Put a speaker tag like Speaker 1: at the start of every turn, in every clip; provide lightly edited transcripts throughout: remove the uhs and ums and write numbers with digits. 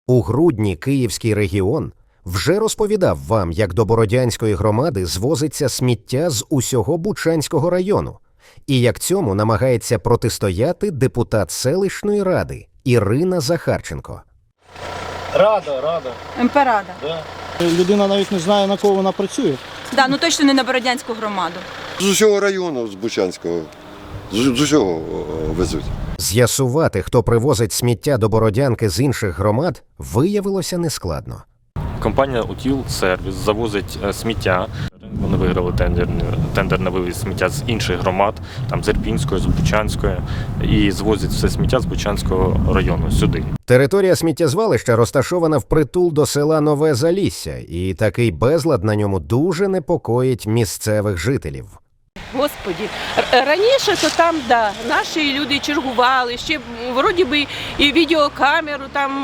Speaker 1: У грудні Київський регіон вже розповідав вам, як до Бородянської громади звозиться сміття з усього Бучанського району, і як цьому намагається протистояти депутат селищної ради Ірина Захарченко.
Speaker 2: Рада.
Speaker 3: МП Рада.
Speaker 2: Да. Людина навіть не знає, на кого вона працює.
Speaker 3: Да, ну точно не на Бородянську громаду.
Speaker 4: З усього району, з Бучанського, з усього везуть.
Speaker 1: З'ясувати, хто привозить сміття до Бородянки з інших громад, виявилося нескладно.
Speaker 5: Компанія «Утіл Сервіс» завозить сміття. Вони виграли тендер на вивіз сміття з інших громад, там з Ірпінської, з Бучанської, і звозять все сміття з Бучанського району сюди.
Speaker 1: Територія сміттєзвалища розташована впритул до села Нове Залісся, і такий безлад на ньому дуже непокоїть місцевих жителів.
Speaker 6: Господи, раніше то там, да, наші люди чергували, ще вроді би і відеокамеру там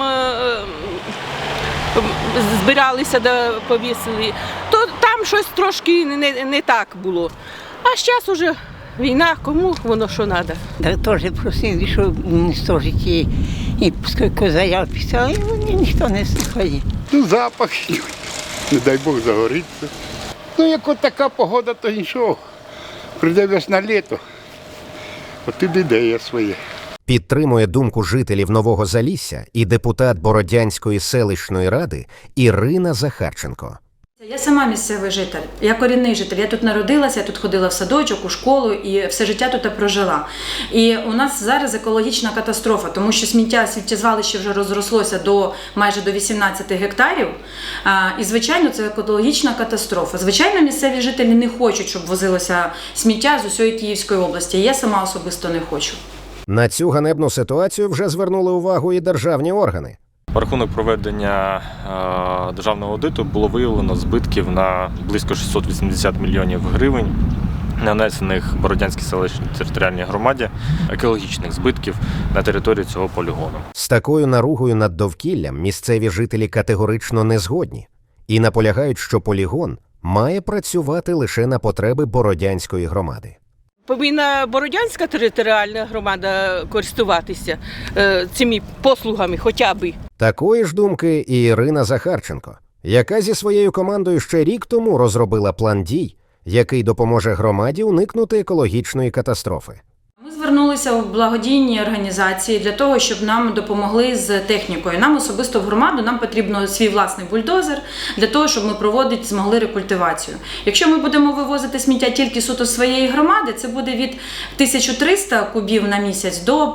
Speaker 6: збиралися, да, повісили, то там щось трошки не так було. А зараз уже війна, кому воно що треба.
Speaker 7: Да, теж просили, що уничтожити і скільки заяв писали, ніхто не слухає.
Speaker 8: Ну, запах, не дай Бог загориться. Ну, як от така погода, то нічого. Прийде весна літо, от і ідея своє.
Speaker 1: Підтримує думку жителів Нового Залісся і депутат Бородянської селищної ради Ірина Захарченко.
Speaker 9: Я сама місцевий житель, я корінний житель. Я тут народилася, я тут ходила в садочок, у школу і все життя тут прожила. І у нас зараз екологічна катастрофа, тому що сміттєзвалище вже розрослося майже до 18 гектарів. І, звичайно, це екологічна катастрофа. Звичайно, місцеві жителі не хочуть, щоб возилося сміття з усієї Київської області. Я сама особисто не хочу.
Speaker 1: На цю ганебну ситуацію вже звернули увагу і державні органи.
Speaker 5: В рахунок проведення державного аудиту було виявлено збитків на близько 680 мільйонів гривень, нанесених Бородянській селищній територіальній громаді, екологічних збитків на території цього полігону.
Speaker 1: З такою наругою над довкіллям місцеві жителі категорично не згодні і наполягають, що полігон має працювати лише на потреби Бородянської громади.
Speaker 6: Повинна Бородянська територіальна громада користуватися цими послугами хоча б.
Speaker 1: Такої ж думки і Ірина Захарченко, яка зі своєю командою ще рік тому розробила план дій, який допоможе громаді уникнути екологічної катастрофи.
Speaker 9: Ми звернулися в благодійні організації для того, щоб нам допомогли з технікою. Нам особисто в громаду нам потрібно свій власний бульдозер для того, щоб ми змогли рекультивацію. Якщо ми будемо вивозити сміття тільки суто з своєї громади, це буде від 1300 кубів на місяць до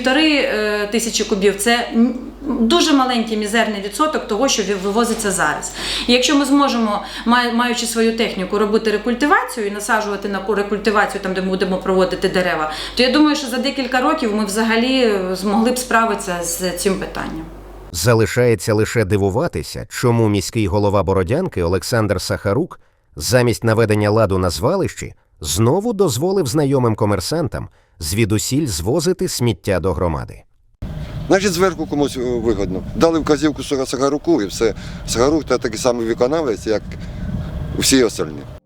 Speaker 9: 1500 кубів. Це дуже маленький мізерний відсоток того, що вивозиться зараз. І якщо ми зможемо, маючи свою техніку, робити рекультивацію і насаджувати на рекультивацію там, де ми будемо проводити дерева, то я думаю, що за декілька років ми взагалі змогли б справитися з цим питанням.
Speaker 1: Залишається лише дивуватися, чому міський голова Бородянки Олександр Сахарук замість наведення ладу на звалищі знову дозволив знайомим комерсантам звідусіль звозити сміття до громади.
Speaker 4: Значить, зверху комусь вигодно. Дали вказівку Сахаруку і все. Сахарук – це такий самий виконавець, як всі остальні.